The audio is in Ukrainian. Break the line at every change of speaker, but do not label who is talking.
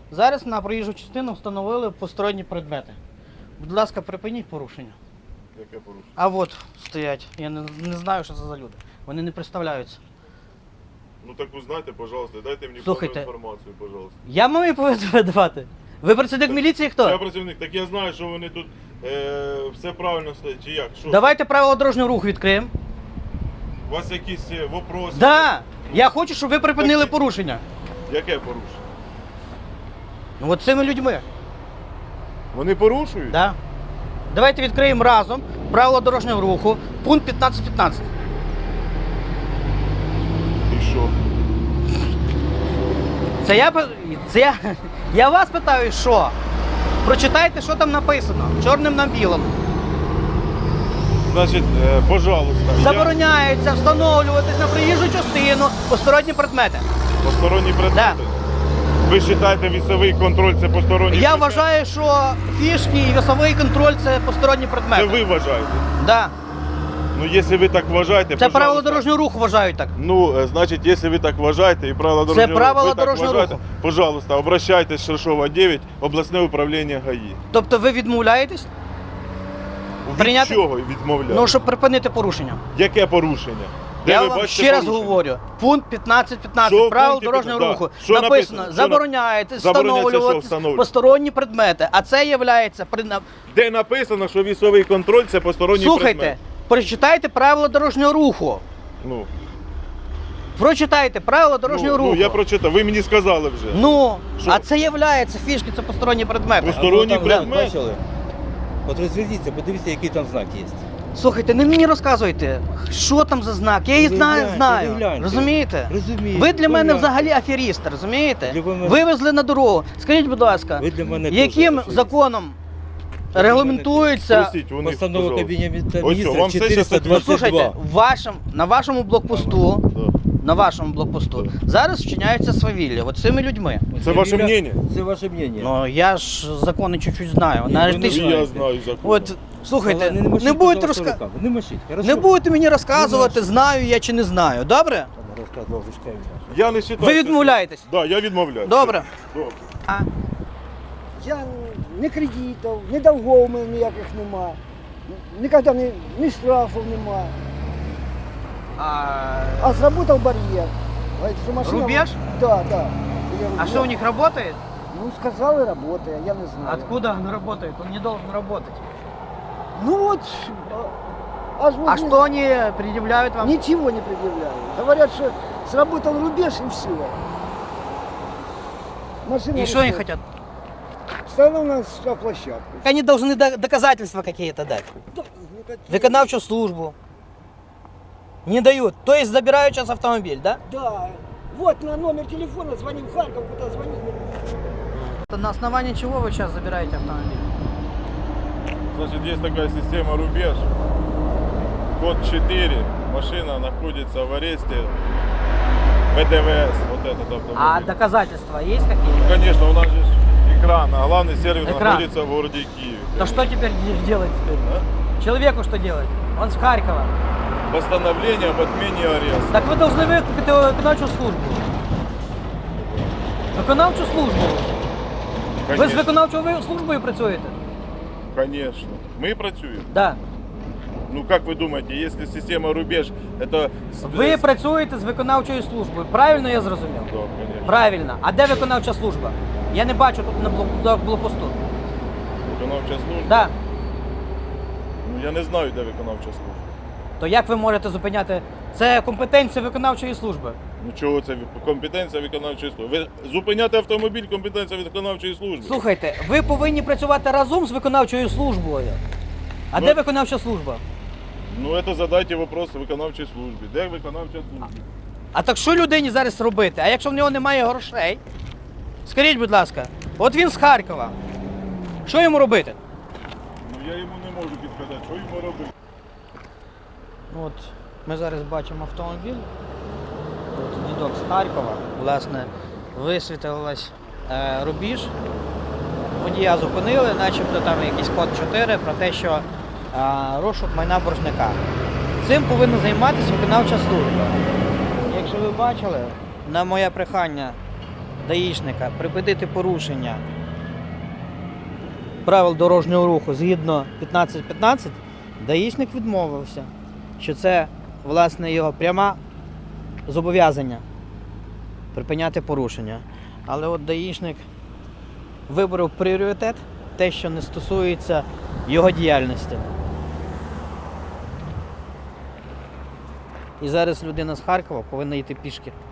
Зараз на проїжджу частину встановили посторонні предмети. Будь ласка, припиніть порушення.
Яке порушення?
А от стоять. Я не знаю, що це за люди. Вони не представляються.
Ну так узнайте, пожалуйста, дайте мені
Слухайте.
повну інформацію, пожалуйста.
Я маю видавати. Ви працівник міліції
Я
хто?
працівник, так я знаю, що вони тут все правильно стоять, чи як? Що?
Давайте правила дорожнього руху відкриємо.
У вас якісь вопроси?
Да! Я хочу, щоб ви припинили
Які?
порушення.
Яке порушення?
Ну от цими людьми.
Вони порушують?
Да. Давайте відкриємо разом правила дорожнього руху, пункт 15.15.
І що?
Я вас питаю, що? Прочитайте, що там написано, чорним на білому.
Значить, пожалуйста.
Забороняється встановлюватись на проїжджу частину посторонні предмети.
Посторонні предмети?
Да.
Ви вважаєте вісовий контроль це посторонній
Я
предмет?
вважаю, що фішки і весовий контроль це посторонні предмети.
Це ви вважаєте?
Да.
Ну, якщо ви так вважаєте,
Це
пожалуйста.
правила дорожнього руху вважають так.
Ну, значить, якщо ви так вважаєте і правила дорожнього
правила
ви так
дорожнього
вважаєте,
руху.
пожалуйста, обращайтесь, Шершова 9, обласне управління ГАІ.
Тобто ви відмовляєтесь?
Від
Прийняти-
чого відмовляєте?
Ну, щоб припинити порушення.
Яке порушення? Де
Я
ви
вам
бачите
ще раз
порушення?
говорю. Пункт 15.15
Що в
правил
пункті
дорожнього
15?
руху.
Да. Що написано? Що
Забороняється
Забороняється що
встановлювати
встановлювати?
посторонні предмети. А це є
Де написано, що вісовий контроль це посторонній
Слухайте,
предмет?
прочитайте правила дорожнього руху.
Ну,
Прочитайте правила дорожнього руху.
я прочитав, ви мені сказали вже.
Ну,
Що?
а це є фішки, це посторонні предмети.
Посторонні
А ви там
предмети?
бачили? От розверніться, подивіться, який там знак є.
Слухайте, не мені розказуйте, що там за знак. Я її
Ви
знаю,
гляньте,
знаю.
ви гляньте.
Розумієте?
Розумію.
Ви для мене
гляньте.
взагалі аферісти, розумієте?
Для мене-
Вивезли на дорогу. Скажіть, будь ласка,
Ви для мене
яким
теж аферіст.
законом регламентується?
Спросіть у них,
Постанова
пожалуйста.
Кабінету
Ось що,
міністрів
вам все щас
Ну,
422.
слухайте, на вашому блокпосту,
Да.
зараз вчиняється свавілля, от цими людьми.
Це ваше мнення?
Це ваше мнення.
Ну, я ж закони чуть-чуть знаю.
Ні,
Навіть
ви
ти
не
ж-
І я знаю закон.
От, слухайте,
Але
не будете
пожалуйста,
розказувати.
руками. Не мочіть, хорошо?
Не будете мені розказувати,
Не можу.
знаю я чи не знаю. Добре?
Там розказував Вишкевич.
Я не вважаю.
Ви відмовляєтесь?
Так, я відмовляюся.
Добре.
Добре.
А,
Я ні кредитів, ні довгов у мене ніяких нема. Ніколи ні штрафів нема. А зработав бар'єр. Говорить, що машина...
Рубеж?
Да, да.
а что у них работает?
Ну, сказали, работає, я не знаю.
Откуда он работает? Он не должен работать.
Ну вот, аж
А что они предъявляют вам?
Ничего не предъявляют. Говорят, что сработал рубеж и все. Машина
И что они
стоит.
хотят?
Стану на штрафплощадку.
Они должны доказательства какие-то дать. Виконавчую службу. Не дают. То есть забирают сейчас автомобиль, да?
Да. Вот на номер телефона звоним в Харьков, куда звонить.
На основании чего вы сейчас забираете автомобиль?
Значит, есть такая система «Рубеж». Код 4. Машина находится в аресте ВДВС. Вот этот автомобиль.
А доказательства есть какие-то?
Конечно, у нас же экран, а главный сервис
Экран.
находится в городе Киеве.
То что теперь делать теперь? Человеку что делать? Он с Харькова.
Постановление об отмене ареста.
Так ви повинні викликати виконавчу службу. Виконавчу службу. Ви з
Конечно.
виконавчою службою працюєте?
Конечно. Мы працюем.
Да.
Ну как вы думаете, если система «Рубеж» это...
Ви працюєте з виконавчою службою. Правильно я зрозумів?
Да, конечно.
Правильно. А де виконавча служба? Я не бачу тут на блокпосту.
Виконавча служба?
Да.
Ну я не знаю, де виконавча служба.
То як ви можете зупиняти? Це компетенція виконавчої служби.
Ну чого це компетенція виконавчої служби? Ви зупиняти автомобіль компетенція виконавчої служби.
Слухайте, ви повинні працювати разом з виконавчою службою. А
Ну,
де виконавча служба?
Ну це задайте вопрос виконавчій службі. Де виконавча служба?
А так що людині зараз робити? А якщо в нього немає грошей? Скажіть, будь ласка, от він з Харкова. Що йому робити?
Ну я йому не можу підказати, що йому робити.
От ми зараз бачимо автомобіль. От дідок з Харкова. Власне, висвітилась рубіж. Водія зупинили, начебто там якийсь код 4 про те, що розшук майна боржника. Цим повинна займатися виконавча служба. Якщо ви бачили, на моє прохання даїшника припинити порушення правил дорожнього руху згідно 15.15, даїшник відмовився, що це, власне, його пряме зобов'язання припиняти порушення. Але от даїшник вибрав пріоритет, те, що не стосується його діяльності. І зараз людина з Харкова повинна йти пішки.